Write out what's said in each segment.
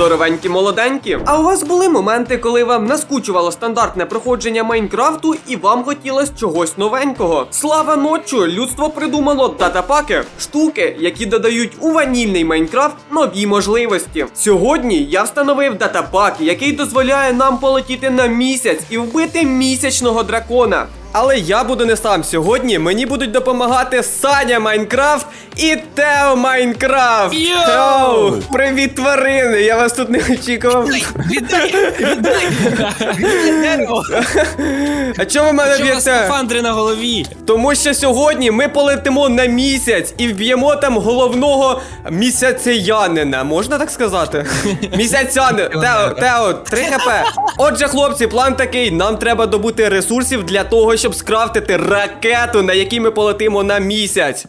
здоровенькі молоденькі. А у вас були моменти, коли вам наскучувало стандартне проходження Майнкрафту і вам хотілося чогось новенького? Слава ночу! Людство придумало датапаки. Штуки, які додають у ванільний Майнкрафт нові можливості. Сьогодні я встановив датапак, який дозволяє нам полетіти на місяць і вбити місячного дракона. Але я буду не сам сьогодні, мені будуть допомагати Саня Майнкрафт і Тео Майнкрафт. Йоу! Привіт, тварини! Я вас тут не очікував. Віддай дерево! А чому ви мене Чого у вас б'єте? скафандри на голові? Тому що сьогодні ми полетимо на місяць і вб'ємо там головного місяцянина. Можна так сказати? Місяцянин. Тео, 3 хп. Отже, хлопці, план такий. Нам треба добути ресурсів для того, щоб скрафтити ракету, на якій ми полетимо на місяць.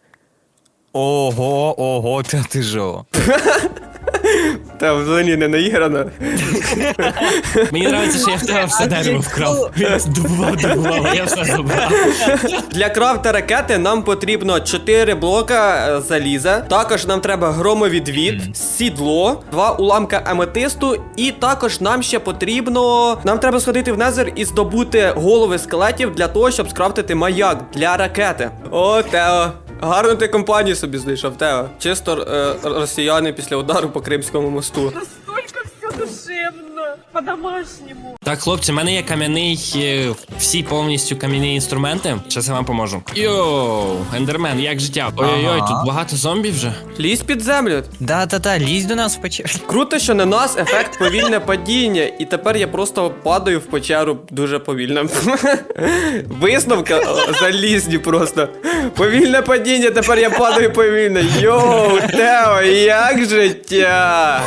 Ого, ти жо. Та взагалі не наіграно. Мені подобається, що я в тебе все дерево вкрав. Він добував, а я все забрав. Для крафта ракети нам потрібно 4 блока заліза. Також нам треба громовідвід, сідло, 2 уламка аметисту. І також нам ще потрібно... Нам треба сходити в Незер і здобути голови скелетів для того, щоб скрафтити маяк для ракети. О, Тео. Гарну ти компанію собі знайшов, Тео. Чисто росіяни після удару по Кримському мосту. Настолько все душевно, по-домашнему. Так, хлопці, в мене є кам'яний, всі повністю кам'яні інструменти. Зараз я вам поможу. Йоу, ендермен, як життя? Ой-ой-ой, тут багато зомбів вже. Лізь під землю. Да, лізь до нас в печеру. Круто, що на нас ефект повільне падіння, і тепер я просто падаю в печеру дуже повільно. Висновка залізні просто. Повільне падіння, тепер я падаю повільно. Йоу, Тео, як життя?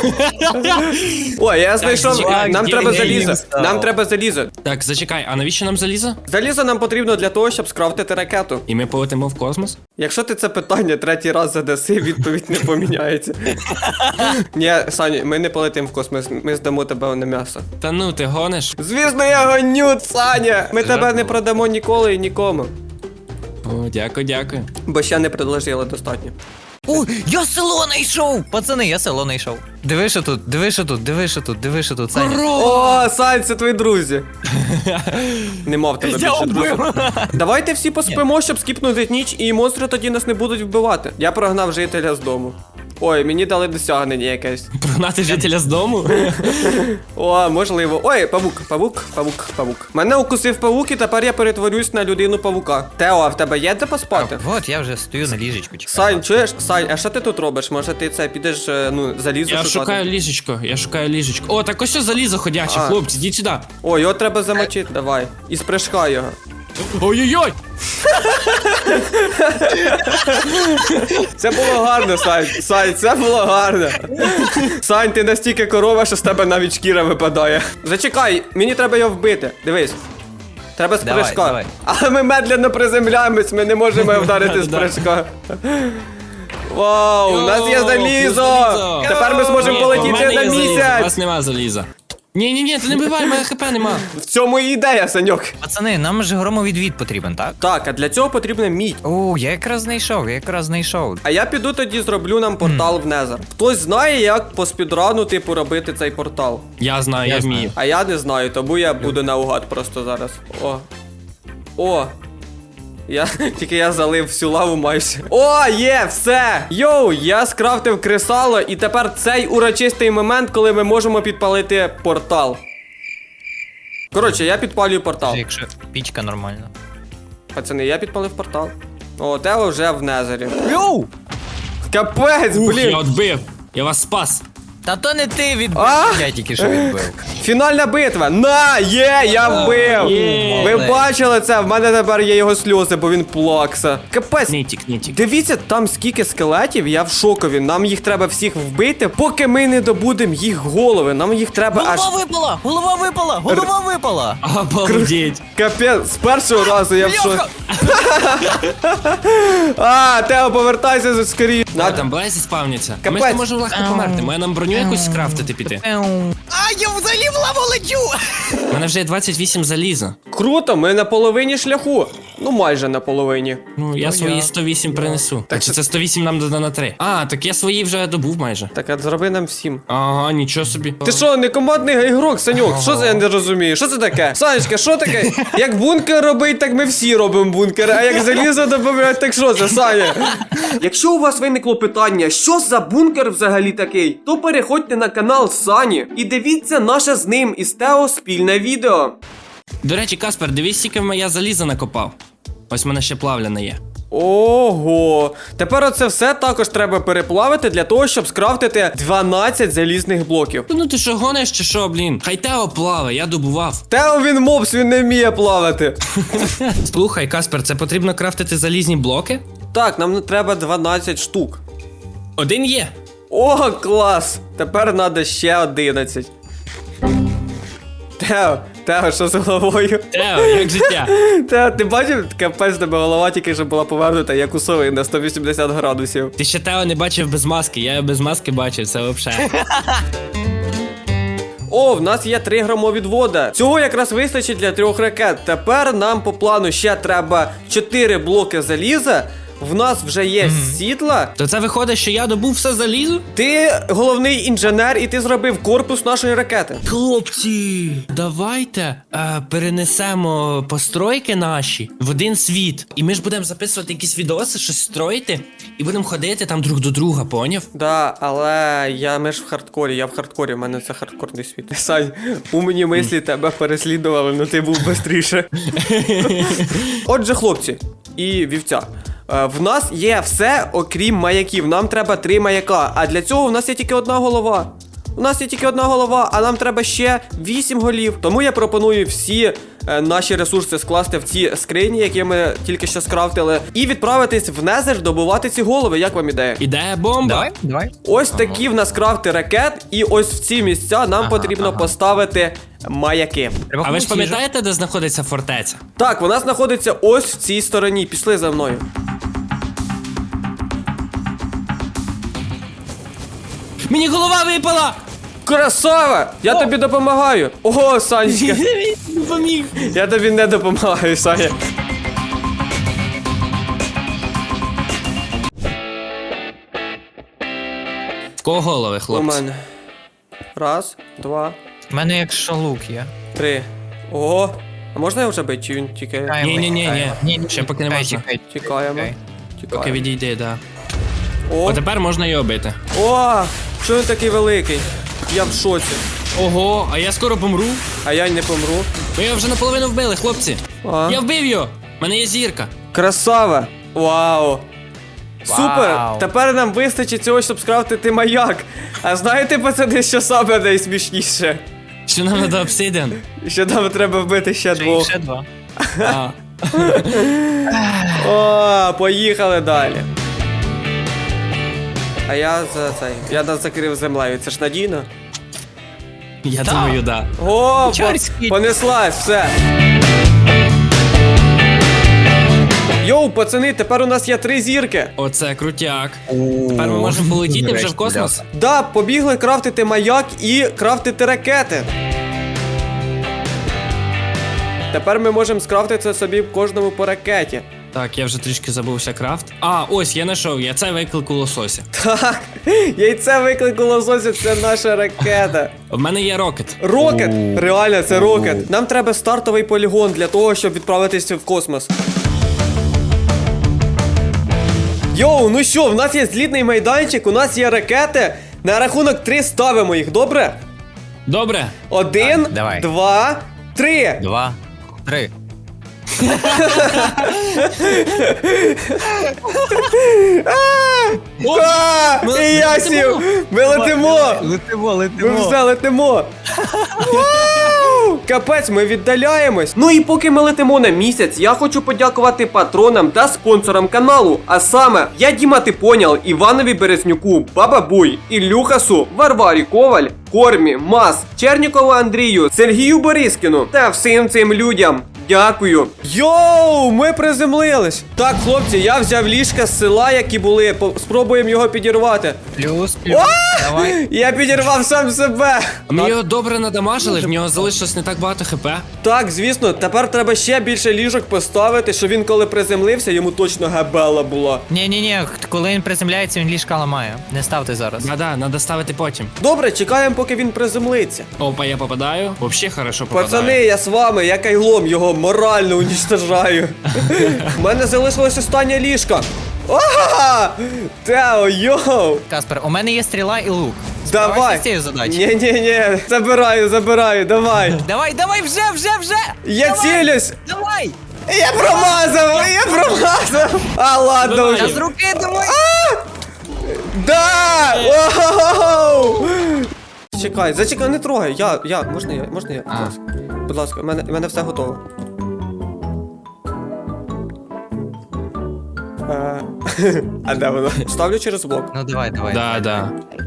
Ой, я знайшов, нам треба залізо. Нам треба залізо. Так, зачекай, а навіщо нам залізо? Залізо нам потрібно для того, щоб скрафтити ракету. І ми полетимо в космос? Якщо ти це питання 3-й раз задаси, відповідь не поміняється. Ні, Саня, ми не полетимо в космос, ми здамо тебе на м'ясо. Та ну, ти гониш? Звісно, я гоню, Саня! Ми тебе не продамо ніколи і нікому. О, дякую. Бо ще не предложили достатньо. О, я село знайшов! Пацани, я село знайшов. Диви, що тут, Саня. О, Сань, це твої друзі. Нема в тебе більше друзів. Давайте всі поспимо, щоб скіпнути ніч, і монстри тоді нас не будуть вбивати. Я прогнав жителя з дому. Ой, мені дали досягнення якесь. Прогнати жителя з дому? О, можливо. Ой, павук. Мене укусив павук, і тепер я перетворюсь на людину-павука. Тео, а в тебе є де поспати? Вот, я вже стою на ліжечку. Сань, чуєш? Сань, а що ти тут робиш? Може ти це підеш, залізо Я шукати? шукаю ліжечко. О, так ось залізо ходяче, А. хлопці, йдіть сюди. О, його треба замочити, давай. І спришкай його. Ой-ой-ой! Це було гарно, Сань, це було гарно. Сань, ти настільки корова, що з тебе навіть шкіра випадає. Зачекай, мені треба його вбити. Дивись. Треба з Давай, прыжка. давай. Але ми медленно приземляємось, ми не можемо його вдарити з прыжка. Вау, у нас є Йоу, залізо! залізо. Тепер ми зможемо Ні, в полетіти мене на є залізо, У місяць! вас нема заліза. Ні, ти не бивай, мене хп нема. В цьому і ідея, Саньок. Пацани, нам же громовідвід потрібен, так? Так, а для цього потрібна мідь. О, я якраз знайшов. А я піду тоді зроблю нам портал в Незер. Хтось знає, як по спідрану, типу, робити цей портал? Я знаю, я вмію. А я не знаю, тому я буду наугад просто зараз. О. Тільки я залив всю лаву майже. О, є, все! Йоу, я скрафтив кресало, і тепер цей урочистий момент, коли ми можемо підпалити портал. Коротше, я підпалюю портал. Якщо пічка нормальна. Пацани, я підпалив портал. О, Тео вже в Незері. Йоу! Капець, Ух, блін! я відбив. Я вас спас. Та то не ти відбив, А? я тільки що відбив. Фінальна битва. Я вбив. Є. Ви бачили це? В мене тепер є його сльози, бо він плакса. Капець. Нітік. Дивіться, там скільки скелетів, я в шокові. Нам їх треба всіх вбити, поки ми не добудемо їх голови. Нам їх треба аж... Голова випала! Обалдеть. Капець, з першого разу я в шоці. Тео, повертайся скоріше. А, там Блайзі спавняться. Ми Капець. ж можемо легко померти. Має нам броню якусь скрафтити піти. А, я взагалі в лаву лечу! У мене вже є 28 заліза. Круто, ми на половині шляху. Ну, майже на половині. Ну, я свої 108 принесу. Так чи це 108 нам додано на 3? А, так я свої вже добув майже. Так, а зроби нам всім. Ага, нічого собі. Ти що, не командний ігрок, Саньок? Що це я не розумію? Що це таке? Санечка, що таке? Як бункер робить, так ми всі робимо бункер. А як залізо додають, так що це, Саня? Якщо у вас виникло питання, що за бункер взагалі такий, то переходьте на канал Сані і дивіться наше з ним із Тео спільне відео. До речі, Каспер, дивись, скільки я заліза накопав. Ось в мене ще плавляне є. Ого, тепер оце все також треба переплавити для того, щоб скрафтити 12 залізних блоків. Ну ти що, гониш чи що, блін? Хай Тео плаває, я добував. Тео він мопс, він не вміє плавати. Слухай, Каспер, це потрібно крафтити залізні блоки? Так, нам треба 12 штук. Один є. О, клас! Тепер треба ще 11. Тео, що з головою? Тео, як життя? Тео, ти бачив, капець тебе голова тільки що була повернута, як у сови на 180 градусів. Ти ще Тео не бачив без маски, я його без маски бачив, це взагалі. О, в нас є 3 громовідвода. Цього якраз вистачить для 3 ракет. Тепер нам по плану ще треба 4 блоки заліза. В нас вже є сітла. То це виходить, що я добув все залізо? Ти головний інженер і ти зробив корпус нашої ракети. Хлопці, давайте перенесемо постройки наші в один світ. І ми ж будемо записувати якісь відоси, щось строїти, і будемо ходити там друг до друга, поняв? Да, але ми ж в хардкорі, я в хардкорі, в мене це хардкорний світ. Сань, умні мислі тебе переслідували, але ти був швидше. Отже, хлопці і вівця. В нас є все, окрім маяків. Нам треба 3 маяка. А для цього в нас є тільки одна голова. У нас є тільки одна голова, а нам треба ще 8 голів. Тому я пропоную всі наші ресурси скласти в ці скрині, які ми тільки що скрафтили, і відправитись в Незер добувати ці голови. Як вам ідея? Ідея бомба. Давай. Ось такі в нас крафти ракет, і ось в ці місця нам потрібно поставити маяки. Треба А ви ж комусь їжу. пам'ятаєте, де знаходиться фортеця? Так, вона знаходиться ось в цій стороні. Пішли за мною. Мені голова випала! Красава! Я тобі допомагаю! Ого, Санечка! Поміг. Я тобі не допомагаю, Саня. В кого голови, У хлопці? мене. Раз, два, У мене якщо лук є. 3. Ого! А можна його вже бити, чи він тільки... Чекаємо, Ні, чекаємо. ще поки не чекай, можна. чекай. Тікаємо. Окей. Поки Тікаємо. відійди, да. О, О, тепер можна його бити. о! Що він такий великий? Я в шоці. Ого, а я скоро помру. А я й не помру. Ви його вже наполовину вбили, хлопці. А? Я вбив його. У мене є зірка. Красава! Вау! Супер! Вау. Тепер нам вистачить цього, щоб скрафтити маяк. А знаєте, пацани, що саме найсмішніше? Що нам треба обсидіан? Що нам треба вбити ще двох. Ще 2. А, О, поїхали далі. А я нас закрив землею, це ж надійно? я думаю, да. О, Чорський. понеслась, все. Йоу, пацани, тепер у нас є 3 зірки. Оце крутяк. Тепер ми можемо полетіти вже в космос. Да, побігли крафтити маяк і крафтити ракети. Тепер ми можемо скрафтити собі кожному по ракеті. Так, я вже трішки забувся крафт. А, ось, я знайшов, я це виклик у лосося. Так, яйце виклику лосося, це наша ракета. В мене є рокет. Рокет! Реально, це рокет. Нам треба стартовий полігон для того, щоб відправитися в космос. Йоу, ну що, в нас є злітний майданчик, у нас є ракети. На рахунок 3 ставимо їх, добре? Добре. 1, Так, давай. 2, 3. 2, 3. І я сів! Ми летимо! Ми все летимо! Вау! Капець, ми віддаляємось. Ну і поки ми летимо на місяць, я хочу подякувати патронам та спонсорам каналу. А саме, я Діма Типонял, Іванові Березнюку, Баба Буй, Ілюхасу, Варварі Коваль, Кормі, Мас, Чернікову Андрію, Сергію Борискіну та всім цим людям. Дякую. Йоу, ми приземлились. Так, хлопці, я взяв ліжка з села, які були. Спробуємо його підірвати. Плюс. Давай. Я підірвав сам себе. Ми його добре надамажили, в нього залишилось не так багато хп. Так, звісно, тепер треба ще більше ліжок поставити, щоб він коли приземлився, йому точно габела була. Ні, коли він приземляється, він ліжка ламає. Не ставте зараз. Да, надо ставити потім. Добре, чекаємо, поки він приземлиться. Опа, я попадаю. Вообще хорошо попадаю. Пацани, я з вами, я кайлом його морально уничтожаю. У мене залишилось останнє ліжко. Ага! Тео, йоу! Каспер, у мене є стріла і лук. Давай! Справайся з цією задачею. Ні, забираю, давай! Давай, вже! Я Давай! цілюсь! Давай! Я промазав! А, ладно Давай. вже. Та з руки давай! Да! Оу! Зачекай, не трогай. Можна я? Будь ласка. Будь ласка, в мене все готово. А де воно? Ставлю через блок. Ну давай. Да.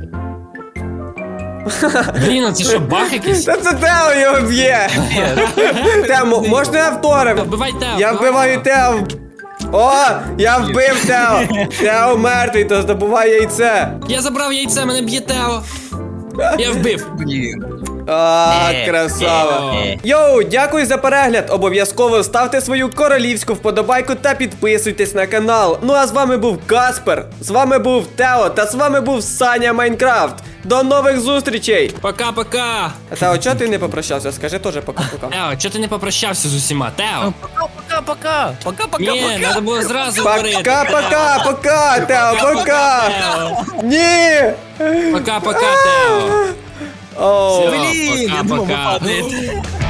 Блін, а це що, баг якийсь? Та це Тео його б'є! Тео, можна я вторим? Вбивай Тео. Я вбиваю Тео! О! Я вбив Тео! Тео мертвий, то здобувай яйце! Я забрав яйце, мене б'є Тео. Я вбив. Блін. А, Ні, красава. ні. Йоу, дякую за перегляд. Обов'язково ставте свою королівську вподобайку та підписуйтесь на канал. Ну а з вами був Каспер, з вами був Тео та з вами був Саня Майнкрафт. До нових зустрічей! Пока-пока. Тео, чого ти не попрощався? Скажи теж пока-пока. Тео, чого ти не попрощався з усіма? Тео. Пока. Ні, треба було зразу говорити. Пока, Тео, пока! Ні! Пока-пока, Тео. Оу. Блін, я думав, ви Пока-пока. падаєте.